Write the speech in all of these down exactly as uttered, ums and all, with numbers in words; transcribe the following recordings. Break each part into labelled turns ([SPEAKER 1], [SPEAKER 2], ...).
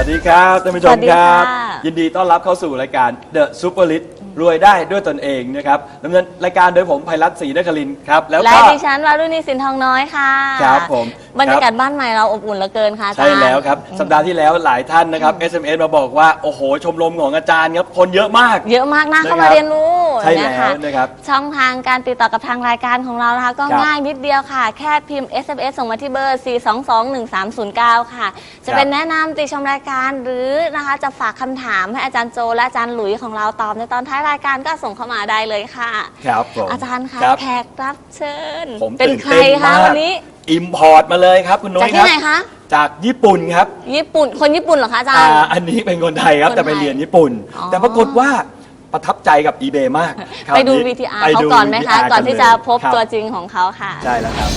[SPEAKER 1] วัสดีครับท่านผู้ชมครับยินดีต้อนรับเข้าสู่รายการ The Superlit รวยได้ด้วยตนเองนะครับดำเนินรายการโดยผมไพรัตน์ศรีนครินทร์ครับแล้วก็
[SPEAKER 2] ดิฉันวารุณีสินทองน้อยค่ะ
[SPEAKER 1] ครับผม
[SPEAKER 2] บรรยากาศบ้านใหม่เราอบอุ่นเหลือเกินค่ะ
[SPEAKER 1] ใช่แล้วครับสัปดาห์ที่แล้วหลายท่านนะครับ เอส เอ็ม เอส มาบอกว่าโอ้โหชมรมของอาจารย์ครับคนเยอะมาก
[SPEAKER 2] เยอะมากนะเข้ามาเรียนรู้
[SPEAKER 1] ใช่แล้วนะครับ
[SPEAKER 2] ช่องทางการติดต่อกับทางรายการของเรานะคะก็ง่ายนิดเดียวค่ะแค่พิมพ์ เอส เอ็ม เอส ส่งมาที่เบอร์ สี่ สอง สอง หนึ่ง สาม ศูนย์ เก้า ค่ะจะเป็นแนะนำติชมรายการหรือนะคะจะฝากคำถามให้อาจารย์โจและอาจารย์หลุยของเราตอบในตอนท้ายรายการก็ส่งเข้ามาได้เลยค่ะ
[SPEAKER 1] ครับผม
[SPEAKER 2] อาจารย์คะแขกรับเชิญ
[SPEAKER 1] เป็น
[SPEAKER 2] ใครคะวันนี้
[SPEAKER 1] อิมพอร์ตมาเลยครับคุณนุ้ยครับจากที่
[SPEAKER 2] ไหนคะ
[SPEAKER 1] จากญี่ปุ่นครับ
[SPEAKER 2] ญี่ปุ่นคนญี่ปุ่นเหรอคะอาจารย์
[SPEAKER 1] อันนี้เป็นคนไทยครับแต่ไปเรียนญี่ปุ่นแต่ปรากฏว่าประทับใจกับ eBay มาก
[SPEAKER 2] ไปดู วี ที อาร์ เขาก่อนไหมคะก่อนที่จะพบตัวจริงของเขาค่ะ
[SPEAKER 1] ใช่แล้วครับ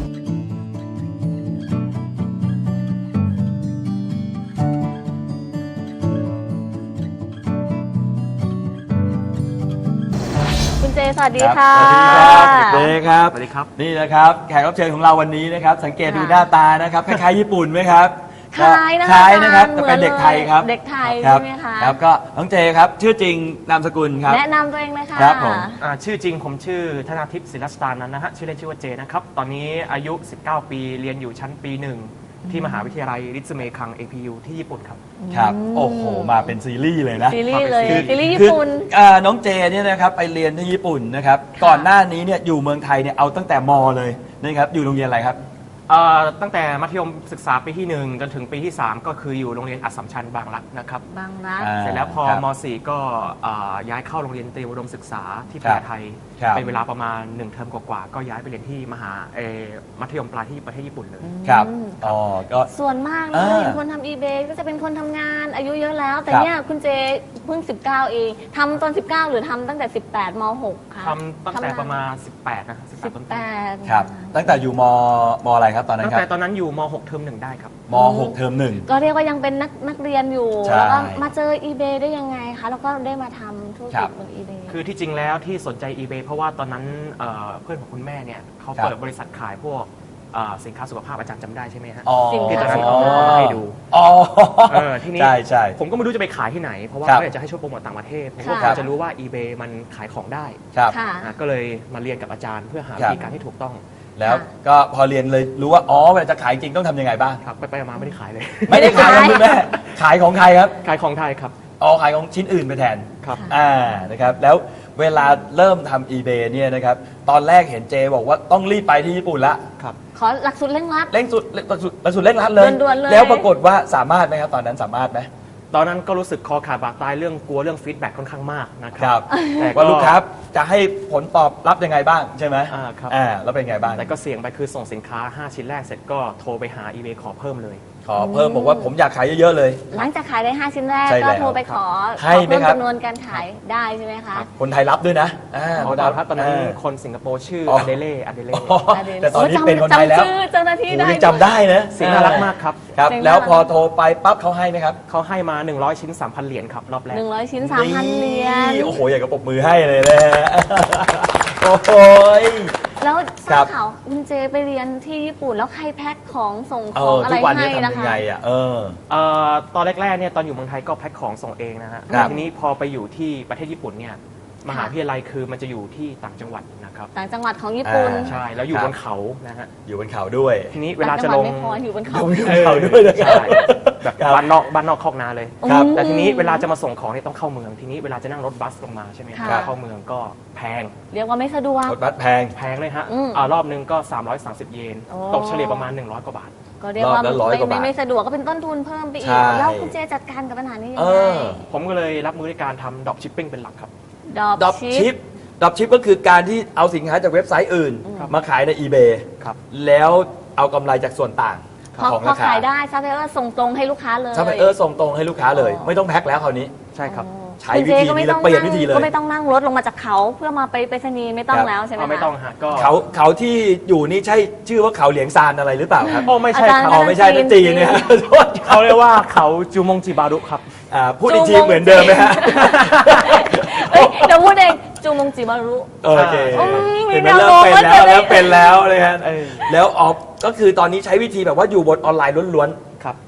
[SPEAKER 2] เจสวัสดีค่ะ
[SPEAKER 1] สวัสดีครับเจครับ
[SPEAKER 3] สวัสดีครับ
[SPEAKER 1] นี่นะครับแขกรับเชิญของเราวันนี้นะครับสังเกตดูหน้าตานะครับคล้ายๆญี่ปุ่นไหมครับ
[SPEAKER 2] คล้ายนะคะ
[SPEAKER 1] คล้ายนะครับแต่เป็นเด็กไทยครับ
[SPEAKER 2] เด็กไทยใช่ไหมคะ
[SPEAKER 1] ครับก็น้องเจครับชื่อจริงนามสกุลครับ
[SPEAKER 2] แนะนำตัวเองเลยค่ะ
[SPEAKER 1] ครับผม
[SPEAKER 3] ชื่อจริงผมชื่อธนาทิพย์ศิลสตานันท์นะฮะชื่อเล่นชื่อว่าเจนะครับตอนนี้อายุสิบเก้าปีเรียนอยู่ชั้นปีหนึ่งที่มหาวิทยาลัยริซึเมคัง เอ พี ยู ที่ญี่ปุ่นครับ
[SPEAKER 1] ครับโอ้โหมาเป็นซีรีส์เลยนะ
[SPEAKER 2] ซีรีส์เลยซีรีส์ญี่ปุ่น
[SPEAKER 1] น้องเจเนี่ยนะครับไปเรียนที่ญี่ปุ่นนะครับก่อนหน้านี้เนี่ยอยู่เมืองไทยเนี่ยเอาตั้งแต่ม.เลยนะครับอยู่โรงเรียนอะไรครับ
[SPEAKER 3] ตั้งแต่มัธยมศึกษาปีที่หนึ่งจนถึงปีที่สามก็คืออยู่โรงเรียนอัสสัมชัญบางรักนะครับ
[SPEAKER 2] บางรัก
[SPEAKER 3] เสร็จแล้วพอม สี่ก็ย้ายเข้าโรงเรียนเตรียมอุดมศึกษาที่ประเทศไทยเป็นเวลาประมาณหนึ่งเทอมกว่าๆก็ย้ายไปเรียนที่มหามัธยมปลายที่ประเทศญี่ปุ่นเลย
[SPEAKER 1] ครับอ๋อก็
[SPEAKER 2] ส่วนมากเราเห็นคนทำ eBay ก็จะเป็นคนทำงานอายุเยอะแล้วแต่เนี่ยคุณเจเพิ่งสิบเก้าเองทำตอนสิบเก้าหรือทำตั้งแต่สิบแปดม หก ค่ะ
[SPEAKER 3] ทำตั้งแต่ประมาณสิบแปดนะ
[SPEAKER 2] สิบแปด
[SPEAKER 1] ครับตั้งแต่อยู่มมอะไรครับตอนนั้นครับ
[SPEAKER 3] ตั้งแต่ตอนนั้นอยู่ม หก เทอมหนึ่งได้ครับ
[SPEAKER 1] ม หก เทอมหนึ่ง
[SPEAKER 2] ก็เรียกว่ายังเป็นนักนักเรียนอยู่แล้วก็มาเจอ eBay ได้ยังไงคะแล้วก็ได้มาทำธุรกิจบน eBay
[SPEAKER 3] คือที่จริงแล้วที่สนใจ eBay เพราะว่าตอนนั้นเพื่อนของคุณแม่เนี่ยเขาเปิดบริษัทขายพวกสินค้าสุขภาพอาจารย์จำได้ใช่ไหมฮะที่ตอนนั้นเขามาให้ดูที่นี้ผมก็ไม่รู้จะไปขายที่ไหนเพราะว่าเขาอยากจะให้ช่วยโปรโมทต่างประเทศผมก็จะรู้ว่า eBay มันขายของได้ก็เลยมาเรียนกับอาจารย์เพื่อหาวิธีการที่ถูกต้อง
[SPEAKER 1] แล้วก็พอเรียนเลยรู้ว่าอ๋อเวลาจะขายจริงต้องทำยังไงบ้าง
[SPEAKER 3] ครับไปไปมาไม่ได้ขายเลย
[SPEAKER 1] ไม่ได้ขายคุณแม่ขายของใครครับ
[SPEAKER 3] ขายของไทยครับ
[SPEAKER 1] อ๋อขายของชิ้นอื่นไปแทน
[SPEAKER 3] ครับ
[SPEAKER 1] อ่านะครับแล้วเวลาเริ่มทำ eBay เนี่ยนะครับตอนแรกเห็นเจบอกว่าต้องรีบไปที่ญี่ปุ่นละ
[SPEAKER 3] ครับ
[SPEAKER 2] ขอหลักสูตรเร่งรัด
[SPEAKER 1] เร่งสุดหลักสูตรหลักสูตรเร่งรัดเลยแล้วปรากฏว่าสามารถไหมครับตอนนั้นสามารถไหม
[SPEAKER 3] ตอนนั้นก็รู้สึกคอขาดบาดตายเรื่องกลัวเรื่องฟีดแบ็กค่อนข้างมากนะครับ
[SPEAKER 1] แต่ว่าลูกค้าจะให้ผลตอบรับยังไงบ้างใช่ไหม
[SPEAKER 3] อ่าครับ
[SPEAKER 1] อ่าแล้วเป็นไงบ้าง
[SPEAKER 3] แต่ก็เสี่ยงไปคือส่งสินค้าห้าชิ้นแรกเสร็จก็โทรไปหา eBay ขอเพิ่มเลย
[SPEAKER 1] ขอเพิ่มบอกว่าผมอยากขายเยอะๆเลย
[SPEAKER 2] หลังจากขายได้ห้าชิ้นแรกก็โทรไปขอ
[SPEAKER 1] ให้
[SPEAKER 2] เพิ่มจำนวนการขายได้ใช่ไหมคะ
[SPEAKER 1] คนไทยรับด้วยนะ
[SPEAKER 3] อ๋อตอนนั้นคนสิงคโปร์ชื่ออเดเล่อเดเล่
[SPEAKER 1] แต่ตอนนี้เป็นคนไทยแล้ว
[SPEAKER 2] เจ้าหน้าที่ได้
[SPEAKER 1] จำได้นะ
[SPEAKER 3] เสียงน่ารักมากครับ
[SPEAKER 1] ครับแล้วพอโทรไปปั๊บเขาให้ไหมครับ
[SPEAKER 3] เขาให้มาหนึ่งร้อยชิ้น สามพัน เหรียญครับรอบแรก
[SPEAKER 2] หนึ่งร้อยชิ้น สามพัน เหรียญ
[SPEAKER 1] โอ้โหอยากจะปรบมือให้เลยนะโอ้โห
[SPEAKER 2] แล้วทราบข่าวคุณเจไปเรียนที่ญี่ปุ่นแล้วใครแพ็คของส่งของอะไรให้นะคะ
[SPEAKER 1] เออ
[SPEAKER 3] ตอนแรกๆเนี่ยตอนอยู่เมืองไทยก็แพ็คของส่งเองนะฮะทีนี้พอไปอยู่ที่ประเทศญี่ปุ่นเนี่ยมหาวิทยาลัยคือมันจะอยู่ที่ต่างจังหวัดนะครับ
[SPEAKER 2] ต่างจังหวัดของญี่ปุ่น
[SPEAKER 3] ใช่แล้วอยู่บนเขานะฮะ
[SPEAKER 1] อยู่บนเขาด้วย
[SPEAKER 3] ทีนี้เวลาจะลง
[SPEAKER 2] อยู่บนเขา
[SPEAKER 1] อยู่บนเขาด้วย
[SPEAKER 3] ใช่แบบบ้านนอกบ้านนอกคอกนาเลยแต่ทีนี้เวลาจะมาส่งของเนี่ยต้องเข้าเมืองทีนี้เวลาจะนั่งรถบัสลงมาใช่ไหมครับเข้าเมืองก็แพง
[SPEAKER 2] เรียกว่าไม่สะดวก
[SPEAKER 1] รถบัสแพง
[SPEAKER 3] แพงเลยฮะรอบนึงก็สามร้อยสามสิบเยนตกเฉลี่ยประมาณหนึ่งร้อยกว่าบาท
[SPEAKER 2] ก็เรียกว่าไม่ไม่สะดวกก็เป็นต้นทุนเพิ่มไปอีกแล้วคุณเจจัดการกับปัญหานี้ยังไง
[SPEAKER 3] ผมก็เลยรับมือในการทำดรอปชิปปิ้งเป็นหลักครับ
[SPEAKER 1] ดรอปชิปดรอปชิปก็คือการที่เอาสินค้าจากเว็บไซต์อื่นมาขายใน eBay แล้วเอากำไรจากส่วนต่างของราคา
[SPEAKER 2] ขายได้ซัพพลายเออร์ส่งตรงให้ลูกค้าเลย
[SPEAKER 1] ซัพพลายเออร์ส่งตรงให้ลูกค้าเลยไม่ต้องแพ็คแล้วคราวนี้
[SPEAKER 3] ใช่ครับ
[SPEAKER 1] ใช้วิธีนี้แล้วเปลี่ยนวิธีเลย
[SPEAKER 2] ก็ไม่ต้องนั่งรถลงมาจากเขาเพื่อมาไปไปสนีไม่ต้องแล้วใช่ไหม
[SPEAKER 3] ไม่ต้องฮะก็
[SPEAKER 1] เขาเขาที่อยู่นี่ใช่ชื่อว่าเขาเหลียงซานอะไรหรือเปล่าครับ
[SPEAKER 3] โอ้ไม่ใช่
[SPEAKER 1] เขาไม่ใช่จีนเนี่ย
[SPEAKER 3] เขาเรียกว่าเขาจูมงจิบารุครับ
[SPEAKER 1] พูดอีกทีเหมือนเดิมไหมฮะ
[SPEAKER 2] เดี๋ยวพูดเองจูมงจิบารุ
[SPEAKER 1] โอเคเห็นไหมเริ่มเป็นแล้วแล้วเป็นแล้วเลยฮะแล้วออกก็คือตอนนี้ใช้วิธีแบบว่าอยู่บนออนไลน์ล้วนๆครับ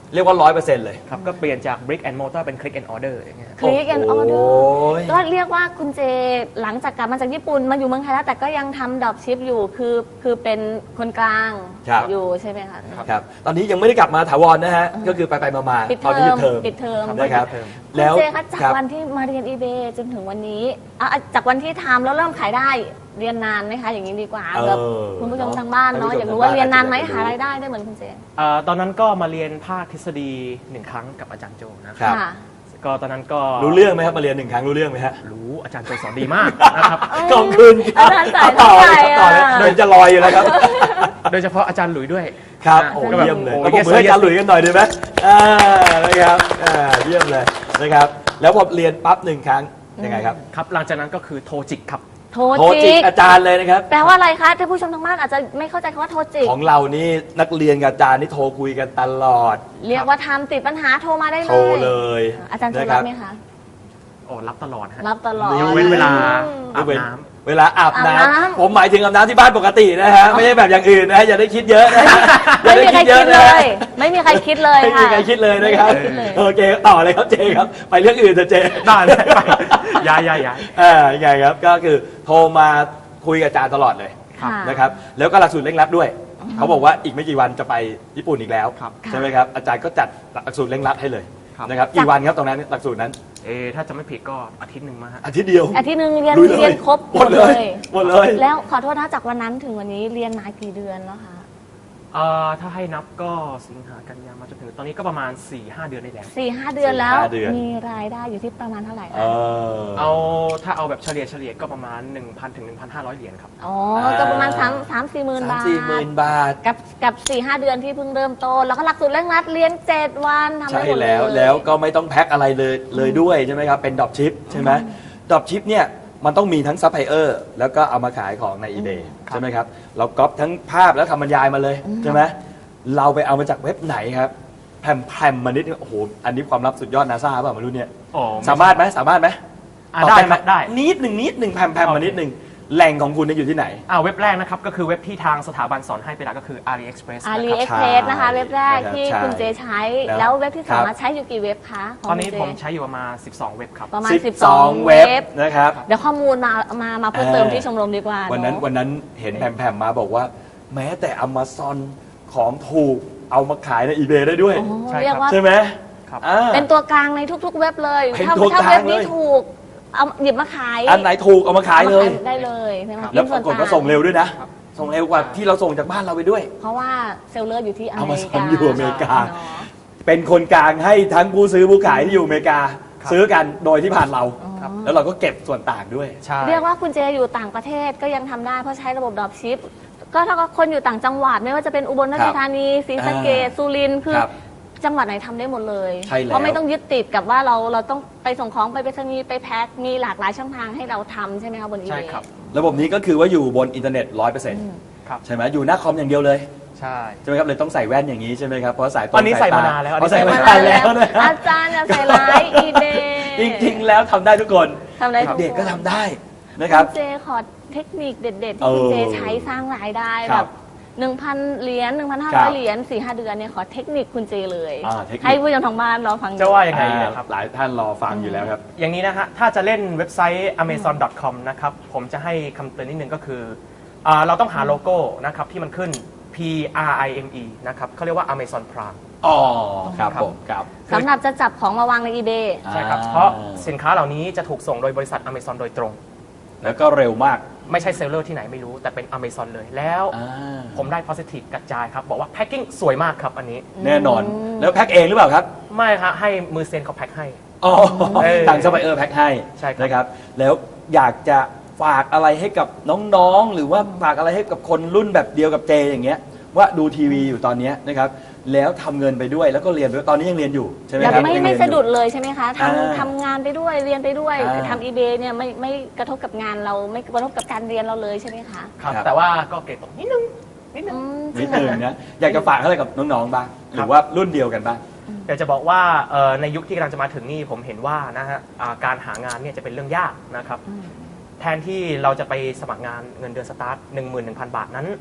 [SPEAKER 1] เรียกว่าร้อยเปอร์เซ็นต์เลย
[SPEAKER 3] ครับก็เปลี่ยนจาก brick and mortar เป็น click and order อย่างเงี้ย
[SPEAKER 2] คลิกแอนออเดอ
[SPEAKER 1] โอ้
[SPEAKER 2] ร์
[SPEAKER 1] ย
[SPEAKER 2] ก็เรียกว่าคุณเจหลังจากกลับมาจากญี่ปุ่นมาอยู่เมืองไทยแล้วแต่ก็ยังทำดรอปชิปอยู่คือคือเป็นคนกลาง
[SPEAKER 1] ครับ
[SPEAKER 2] อยู่ใช่ไหมคะ
[SPEAKER 1] ครับตอนนี้ยังไม่ได้กลับมาถาวรนะฮะก็คือไปไปมามา
[SPEAKER 2] ปิด
[SPEAKER 1] ตอน
[SPEAKER 2] เท
[SPEAKER 1] นี้
[SPEAKER 2] อ
[SPEAKER 1] หยุ
[SPEAKER 2] ม
[SPEAKER 1] ดเทอม
[SPEAKER 2] ปิดเทอม
[SPEAKER 1] นะครับ
[SPEAKER 3] เทอม
[SPEAKER 1] แล้ว
[SPEAKER 2] คุณเจคะจาก
[SPEAKER 1] ครับ
[SPEAKER 2] วันที่มาเรียน eBay จนถึงวันนี้อ่ะจากวันที่ทำแล้วเริ่มขายได้เรียนนานไหมคะอย่างนี้ดีกว่า
[SPEAKER 1] เออ
[SPEAKER 2] แบบคุณผู้ชมทางบ้านเนาะ
[SPEAKER 1] ท่านผู้ชม
[SPEAKER 2] อยากรู้ว่า
[SPEAKER 1] ทางบ้าน
[SPEAKER 2] เรียนนานไหม
[SPEAKER 1] อาจจะ
[SPEAKER 2] หารายได้ได้เหมือนคุณเจ
[SPEAKER 3] เอ่อตอนนั้นก็มาเรียนภาคทฤษฎีหนึ่งครั้งกับอาจารย์โจนะค
[SPEAKER 1] ครั
[SPEAKER 3] รับ
[SPEAKER 1] บ
[SPEAKER 2] ค่ะ
[SPEAKER 3] ก็ตอนนั้นก็
[SPEAKER 1] รู้เรื่องไหมครับมาเรียนหนึ่งครั้งรู้เรื่องไหมฮะ
[SPEAKER 3] รู้อาจารย์โจสอนดีมากนะครับ
[SPEAKER 1] ขอบคุณครับ
[SPEAKER 2] อาจารย์สาย
[SPEAKER 1] ต่อเลย
[SPEAKER 2] เท่าไหร่
[SPEAKER 1] ครับต่อเลย
[SPEAKER 2] อะ
[SPEAKER 1] เดินจะลอยอยู่แล้วครับ
[SPEAKER 3] โดยเฉพาะอาจารย์หลุยด้วย
[SPEAKER 1] ครับ
[SPEAKER 3] นะ
[SPEAKER 1] โอ้
[SPEAKER 3] ก็แบบ
[SPEAKER 1] เยี่ยมเลย
[SPEAKER 3] โอ้
[SPEAKER 1] ต้องปรบมือให้อาจารย์หลุยส์กันหน่อยดีไหมอ่านะครับอ่าเยี่ยมเลยนะครับ แล้วพอเรียนปั๊บหนึ่งครั้งยังไงครับ
[SPEAKER 3] ครับหลังจากนั้นก็คือโทรจิกครับ
[SPEAKER 2] โทร
[SPEAKER 1] โทรจิ
[SPEAKER 2] จิ
[SPEAKER 1] ก
[SPEAKER 2] ก
[SPEAKER 1] อาจารย์เลยนะครับ
[SPEAKER 2] แปลว่าอะไรคะท่านผู้ชมทางบ้านอาจจะไม่เข้าใจคำว่าโทรจิก
[SPEAKER 1] ของเรานี่นักเรียนกับอาจารย์นี่โทรคุยกันตลอด
[SPEAKER 2] เรียกว่าทำติดปัญหาโทรมาได้เลย
[SPEAKER 1] โทรเลย
[SPEAKER 2] อาจารย์โทร
[SPEAKER 1] นะค
[SPEAKER 2] รั
[SPEAKER 1] รั
[SPEAKER 2] บบ ไหมคะ
[SPEAKER 3] โอ้รับตลอดฮะ
[SPEAKER 2] รับตลอด
[SPEAKER 1] นี่
[SPEAKER 3] ยกเว้นเวลา
[SPEAKER 2] อืม
[SPEAKER 3] อาบ
[SPEAKER 1] เว้น
[SPEAKER 3] น้ำ
[SPEAKER 1] เวลาอาบน้
[SPEAKER 2] อาบน้ำ
[SPEAKER 1] ำผมหมายถึงอาบน้ำที่บ้านปกตินะฮะไม่ใช่แบบอย่างอื่นนะฮะอย่าได้คิดเยอะนะฮะอย่า
[SPEAKER 2] ไม่
[SPEAKER 1] ได้
[SPEAKER 2] มีใคร
[SPEAKER 1] เย
[SPEAKER 2] คิ
[SPEAKER 1] อะ
[SPEAKER 2] ด
[SPEAKER 1] นะ
[SPEAKER 2] เล
[SPEAKER 1] ฮะ
[SPEAKER 2] ย ไม่มีใครคิดเลย
[SPEAKER 1] ไม่
[SPEAKER 2] ค่ะ
[SPEAKER 1] มีใครคิดเลยนะครับ
[SPEAKER 2] ไม่มีใครคิดเลย
[SPEAKER 1] โอเคต่อเลยครับเจครับไปเรื่องอื่นเถอะเจ
[SPEAKER 3] ได้เลยไปย้ายย้ายย้าย
[SPEAKER 1] อ่ายังไงครับก็คือโทรมาคุยกับอาจารย์ตลอดเลย
[SPEAKER 2] ค่ะ
[SPEAKER 1] นะครับแล้วก็หลักสูตรเร่งรัดด้วย เขาบอกว่าอีกไม่กี่วันจะไปญี่ปุ่นอีกแล้ว
[SPEAKER 3] ครับ
[SPEAKER 1] ใช่ไหมครับอาจารย์ก็จัดหลักสูตรเร่งรัดให้เลย
[SPEAKER 3] ครับ
[SPEAKER 1] นะครับกี่วันครับตรงนั้นหลักสูตรนั้น
[SPEAKER 3] เออถ้าจะไม่ผิดก็อาทิตย์หนึ่งมาฮะ
[SPEAKER 1] อาทิตย์เดียว
[SPEAKER 2] อาทิตย์หนึงเรียน
[SPEAKER 1] ลุยเลย
[SPEAKER 2] เรียนครบ
[SPEAKER 1] หมดเลยหมดเลย
[SPEAKER 2] แล้วขอโทษนะจากวันนั้นถึงวันนี้เรียนมากี่เดือนแล้วคะ
[SPEAKER 3] เอ่อถ้าให้นับก็สิงหากันยามาจนถึงตอนนี้ก็ประมาณ สี่ห้า เดือนได้แล้ว
[SPEAKER 2] สี่ห้าเดือนแล้ว
[SPEAKER 1] สี่ห้าเดือน
[SPEAKER 2] มีรายได้อยู่ที่ประมาณเท่าไหร่
[SPEAKER 1] เอ
[SPEAKER 2] คะ
[SPEAKER 1] อ
[SPEAKER 3] เอาถ้าเอาแบบเฉลี่ยเฉลี่ยก็ประมาณ หนึ่งพัน ถึง หนึ่งพันห้าร้อย เหรียญครับ
[SPEAKER 2] อ๋อก็ประมาณสามสามสี่หมื่น
[SPEAKER 1] สาม
[SPEAKER 2] บาท
[SPEAKER 1] สี่หมื่นบาท
[SPEAKER 2] กับกับสี่ห้าเดือนที่เพิ่งเริ่มต้นแล้วก็หลักสูตรเร่งรัดเรียนเจ็ดวันทำได้
[SPEAKER 1] ใช่
[SPEAKER 2] หมดเลย
[SPEAKER 1] แล้วแล้วก็ไม่ต้องแพ็คอะไรเลยเลยด้วยใช่ไหมครับเป็นดรอปชิปใช่ไหมดรอปชิปเนี่ยมันต้องมีทั้งซัพพลายเออร์แล้วก็เอามาขายของใน eBay
[SPEAKER 3] ครับ
[SPEAKER 1] ใช่ไหมครับเราก๊อปทั้งภาพแล้วทำบรรยายมาเลยใช่ไหมเราไปเอามาจากเว็บไหนครับแพรมแพรมมานิดนึงโอ้โหอันนี้ความลับสุดยอดนาซาเปล่าไม่รู้เนี่ย
[SPEAKER 3] โอ้
[SPEAKER 1] สามารถไหมสามารถไหม
[SPEAKER 3] อ่ะ
[SPEAKER 1] ตอบ
[SPEAKER 3] ได้
[SPEAKER 1] ไหม
[SPEAKER 3] ครับได้
[SPEAKER 1] นิดหนึ่งนิดหนึ่งแพรมแพรมมานิดหนึ่งแหล่งของคุณเนี่ยอยู่ที่ไหน
[SPEAKER 3] อ่าเว็บแรกนะครับก็คือเว็บที่ทางสถาบันสอนให้เป็นหลักก็คือ AliExpress
[SPEAKER 2] อา
[SPEAKER 3] นะ
[SPEAKER 2] ลี
[SPEAKER 3] ครับ
[SPEAKER 2] เอ็กเพรสนะคะ เว็บแรกที่
[SPEAKER 1] ใช่
[SPEAKER 2] คุณเจใช้
[SPEAKER 1] แล้ว
[SPEAKER 2] แล้วเว็บที่สอง
[SPEAKER 1] ครับ
[SPEAKER 2] มาใช้อยู่กี่เว็บคะขง
[SPEAKER 3] ตอนนี้
[SPEAKER 2] คุณเจ
[SPEAKER 3] ผมใช้อยู่ประมาณ สิบสอง เว็บครับ
[SPEAKER 2] ประมาณ
[SPEAKER 1] สิบ
[SPEAKER 2] สิบ
[SPEAKER 1] ส
[SPEAKER 2] ส
[SPEAKER 1] อ
[SPEAKER 2] อง ง
[SPEAKER 1] เว็บ
[SPEAKER 2] เว็บ
[SPEAKER 1] นะครับ
[SPEAKER 2] เดี๋ยวข้อมูลมามามาเพิ่มเติม
[SPEAKER 1] เออ
[SPEAKER 2] ที่ชมรมดีกว่า
[SPEAKER 1] วันนั้น
[SPEAKER 2] เอะ
[SPEAKER 1] วันนั้นเห็นแพรมๆมาบอกว่า แม้แต่ Amazon ของถูกเอามาขายใน eBay ได้ด้วย
[SPEAKER 2] โอ้
[SPEAKER 3] ใช่ครับ
[SPEAKER 2] เรียกว่า
[SPEAKER 1] ใช่ไหม
[SPEAKER 3] ครับ
[SPEAKER 1] อ่า
[SPEAKER 2] เป็นตัวกลางในทุกๆ เว็บเลย
[SPEAKER 1] เป็น
[SPEAKER 2] ถ้า
[SPEAKER 1] ตัว
[SPEAKER 2] ถ้าก
[SPEAKER 1] ลาง
[SPEAKER 2] เว็บนี้
[SPEAKER 1] เลย
[SPEAKER 2] ถูกเอาหยิบมาขาย
[SPEAKER 1] อันไหนถูกเอามาขายเลย
[SPEAKER 2] อมได้เลยใช่ไหม
[SPEAKER 1] แล้วปรากฏว่าส่งเร็วด้วยนะ ส่งเร็วกว่าที่เราส่งจากบ้านเราไปด้วย
[SPEAKER 2] เพราะว่าเซลเลอร์อยู่ที่อเมริกา
[SPEAKER 1] Amazon อยู่อเมริกา
[SPEAKER 2] เนาะ
[SPEAKER 1] เป็นคนกลางให้ทั้งผู้ซื้อผู้ขายที่อยู่อเมริกา
[SPEAKER 3] ครับ
[SPEAKER 1] ซื้อกันโดยที่ผ่านเรา
[SPEAKER 3] ครับ
[SPEAKER 1] แล้วเราก็เก็บส่วนต่างด้วย
[SPEAKER 3] ใช่
[SPEAKER 2] เรียกว่าคุณเจอยู่ต่างประเทศก็ยังทำได้เพราะใช้ระบบดรอปชิปก็ถ้าคนอยู่ต่างจังหวัดไม่ว่าจะเป็นอุบลราชธานีศรีสะเกษ
[SPEAKER 1] อ่า
[SPEAKER 2] สุรินทร์คือ
[SPEAKER 1] ครับ
[SPEAKER 2] จังหวัดไหนทำได้หมดเลย
[SPEAKER 1] ใช่แล้ว
[SPEAKER 2] เพราะไม่ต้องยึดติดกับว่าเราเราต้องไปส่งของไปไปรษณีย์ไปแพ็คมีหลากหลายช่องทางให้เราทำใช่ไหมคะบนอี
[SPEAKER 3] ใช่
[SPEAKER 2] เบ
[SPEAKER 3] ครับ
[SPEAKER 1] ระบบนี้ก็คือว่าอยู่บนอินเทอร์เน็ต ร้อยเปอร์เซ็นต์
[SPEAKER 3] ครับ
[SPEAKER 1] ใช่ไหมอยู่หน้าคอมอย่างเดียวเลย
[SPEAKER 3] ใช่
[SPEAKER 1] ใช่ไหมครับเลยต้องใส่แว่นอย่างนี้ใช่ไหมครับเพราะสายตรง
[SPEAKER 3] อันนี้ใส่
[SPEAKER 1] ต
[SPEAKER 3] มานานแล้วอันนี้
[SPEAKER 1] อ๋อใส่มา
[SPEAKER 3] ใส่
[SPEAKER 1] นานแล้วนะ
[SPEAKER 2] อาจารย์อย่าใส่ร้ายอีเบ
[SPEAKER 1] จริงๆแล้วทำได้ทุกคน
[SPEAKER 2] ทำได้ทุกคน
[SPEAKER 1] เด็กๆก็ทำได้นะครับ
[SPEAKER 2] ณเจขอเทคนิคเด็ดๆ
[SPEAKER 1] เอ
[SPEAKER 2] ที่
[SPEAKER 1] อ
[SPEAKER 2] คุณเจใช้สร้างรายได้
[SPEAKER 1] ค
[SPEAKER 2] แบ
[SPEAKER 1] รับบ
[SPEAKER 2] หนึ่งพันเหรียญหนึ่งพันห้า
[SPEAKER 1] ครั
[SPEAKER 2] ร้อบ ยเหรียญสี่ห้าเดือนเนี่ยขอเทคนิคคุณเจเลย
[SPEAKER 1] อ่าเทคนิค
[SPEAKER 2] ให้ผู้ชมทางบ้านรอฟัง
[SPEAKER 3] จะว่ายังไง
[SPEAKER 1] อ่า
[SPEAKER 3] นะครับ
[SPEAKER 1] หลายท่านรอฟังอยู่แล้วครับ
[SPEAKER 3] อย่างนี้นะฮะ ถ้าจะเล่นเว็บไซต์ อเมซอน ดอท คอม นะครับ ผมจะให้คำเตือนนิดนึงก็คืออ่าเราต้องหาโลโก้นะครับที่มันขึ้น P R I M E นะครับเขาเรียกว่า Amazon Prime
[SPEAKER 1] อ๋อครับ
[SPEAKER 3] ครับ
[SPEAKER 1] ผมครับ
[SPEAKER 2] สำหรับจะจับของมาวางใน eBay
[SPEAKER 3] ใช่ครับ
[SPEAKER 1] อ่า
[SPEAKER 3] เพราะสินค้าเหล่านี้จะถูกส่งโดยบริษัท Amazon โดยตรง
[SPEAKER 1] แล้วก็เร็วมาก
[SPEAKER 3] ไม่ใช่เซลเลอร์ที่ไหนไม่รู้ แต่เป็น Amazon เลย แล้ว
[SPEAKER 1] อ่า
[SPEAKER 3] ผมได้ positive กระจายครับ บอกว่าแพ็คกิ้งสวยมากครับอันนี้
[SPEAKER 1] แน่นอน แล้วแพ็คเองหรือเปล่าครับ
[SPEAKER 3] ไม่ครับให้มือเซนเขาแพ็คให้
[SPEAKER 1] อ๋อ
[SPEAKER 3] เออ
[SPEAKER 1] ทางซัพพลายเออร์แพ็คให้
[SPEAKER 3] ใช่ครับ
[SPEAKER 1] นะครับ แล้วอยากจะฝากอะไรให้กับน้องๆ หรือว่าฝากอะไรให้กับคนรุ่นแบบเดียวกับเจอย่างเงี้ยว่าดูทีวีอยู่ตอนเนี้ยนะครับแล้วทำเงินไปด้วยแล้วก็เรียนไปด้วยตอนนี้ยังเรียนอยู่ใช่ไหม
[SPEAKER 2] แบบ
[SPEAKER 1] ครับ
[SPEAKER 2] ไม่
[SPEAKER 1] ยัง
[SPEAKER 2] ไม่
[SPEAKER 1] เรียนอยู่
[SPEAKER 2] สะดุดเลยใช่ไหมคะ
[SPEAKER 1] อ่า
[SPEAKER 2] ทำทำงานไปด้วยเรียนไปด้วย
[SPEAKER 1] อ่า
[SPEAKER 2] ทำ eBay เนี่ยไม่ไม่กระทบกับงานเราไม่กระทบกับการเรียนเราเลยใช่ไหมคะ
[SPEAKER 3] ครับ
[SPEAKER 1] ครับ
[SPEAKER 3] แต่ว่าก็เกรดตกนิดนึงนิดนึง
[SPEAKER 2] อืม
[SPEAKER 1] นิดนึงนะอยากจะฝากอะไรกับน้องๆบ้างหรือว่ารุ่นเดียวกันบ้าง
[SPEAKER 3] อยากจะบอกว่าเอ่อในยุคที่กำลังจะมาถึงนี่ผมเห็นว่านะฮะอ่าการหางานเนี่ยจะเป็นเรื่องยากนะครับ
[SPEAKER 2] อืม
[SPEAKER 3] แทนที่เราจะไปสมัครงานเงินเดือนสตาร์ท หนึ่งหมื่นหนึ่งพัน บาทนั้น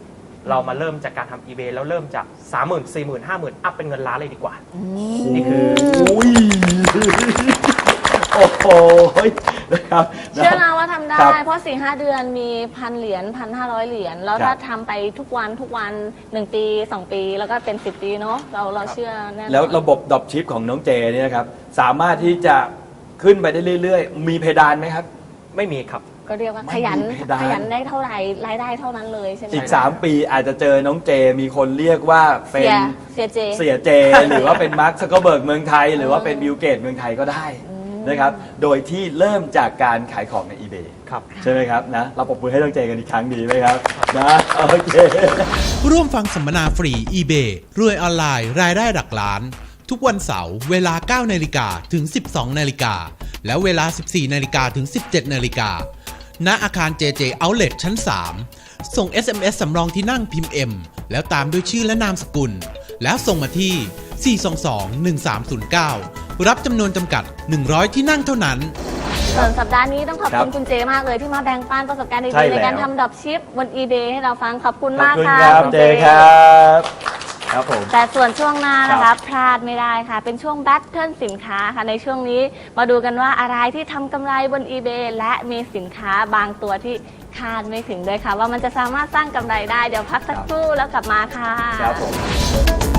[SPEAKER 3] เรามาเริ่มจากการทำ eBay แล้วเริ่มจาก สามหมื่น สี่หมื่น ห้าหมื่น อัพเป็นเงินล้านเลยดีกว่า นี่คือ
[SPEAKER 1] อุ้ยโอ้โหนะครับ
[SPEAKER 2] เชื่อนะว่าทำได้
[SPEAKER 1] ครับ
[SPEAKER 2] เพราะสี่ห้าเดือนมีพันเหรียญพันห้าร้อยเหรียญแล้ว
[SPEAKER 1] ครั
[SPEAKER 2] ถ้า
[SPEAKER 1] บ
[SPEAKER 2] ทำไปทุกวันทุกวันหนึ่งปีสองปีแล้วก็เป็นสิบปีเนาะเราเราเชื่อแน่นอน
[SPEAKER 1] แล้วระบบดรอปชิปของน้องเจเนี่ยนะครับ สามารถที่จะขึ้นไปได้เรื่อยๆ มีเพดานไหมครับ
[SPEAKER 3] ไม่มีครับ
[SPEAKER 2] ก็เรียกว่า
[SPEAKER 1] ไม่
[SPEAKER 2] ขยัน
[SPEAKER 1] มีเพดาน
[SPEAKER 2] ขยันได้เท่าไหร่รายได้เท่านั้นเลยใช่ไหม
[SPEAKER 1] อีก สาม ปีอาจจะเจอน้องเจ มีคนเรียกว่าเป็
[SPEAKER 2] เสี
[SPEAKER 1] น
[SPEAKER 2] ยเสียเจ
[SPEAKER 1] เสียเจ หรือว่าเป็นมาร์คซักเกอร์เบิร์กเมืองไทย หรือว่าเป็นบิลเกตเมืองไทยก็ได้นะครับ โดยที่เริ่มจากการขายของใน eBay
[SPEAKER 3] ครับ
[SPEAKER 1] ใช่ไหมครับนะ เราปรบมือให้น้องเจกันอีกครั้งดีไหมครับนะโอเค
[SPEAKER 4] ร่วมฟังสัมมนาฟรี eBay รวยออนไลน์รายได้หลักล้าน ทุกวันเสาร์เวลา เก้านาฬิกาถึง สิบสองนาฬิกาและเวลา สิบสี่นาฬิกาถึง สิบเจ็ดนาฬิกาณอาคาร เจ เจ Outlet ชั้น สาม ส่ง เอส เอ็ม เอส สำรองที่นั่งพิมพ์ M แล้วตามด้วยชื่อและนามสกุล แล้วส่งมาที่ สี่ สอง สอง หนึ่ง สาม ศูนย์ เก้า รับจำนวนจำกัด หนึ่งร้อย ที่นั่งเท่านั้น
[SPEAKER 2] ส่วนสัปดาห์นี้ต้องขอบ
[SPEAKER 1] ครั
[SPEAKER 2] คุ
[SPEAKER 1] บ
[SPEAKER 2] ณคุณเจมากเลยที่มาแบ่งปันประสบการณ์
[SPEAKER 1] ใช่
[SPEAKER 2] ดีๆ
[SPEAKER 1] แล้ว
[SPEAKER 2] ในการทำดรอปชิปบน eBay ให้เราฟังขอบคุณ
[SPEAKER 1] ขอบ
[SPEAKER 2] มาก
[SPEAKER 1] คุณ
[SPEAKER 2] ค่ะ
[SPEAKER 1] ครับ
[SPEAKER 2] คุณ
[SPEAKER 1] เจครับครับผม
[SPEAKER 2] แต่ส่วนช่วงหน้านะ
[SPEAKER 1] ครั
[SPEAKER 2] คะ
[SPEAKER 1] บ
[SPEAKER 2] พลาดไม่ได้ค่ะ เป็นช่วงแบทเทิลสินค้าค่ะในช่วงนี้มาดูกันว่าอะไรที่ทำกำไรบน eBay และมีสินค้าบางตัวที่คาดไม่ถึงด้วยค่ะ ว่ามันจะสามารถสร้างกำไรได้เดี๋ยวพักสักครู่แล้วกลับมาค่ะ
[SPEAKER 1] ครับผม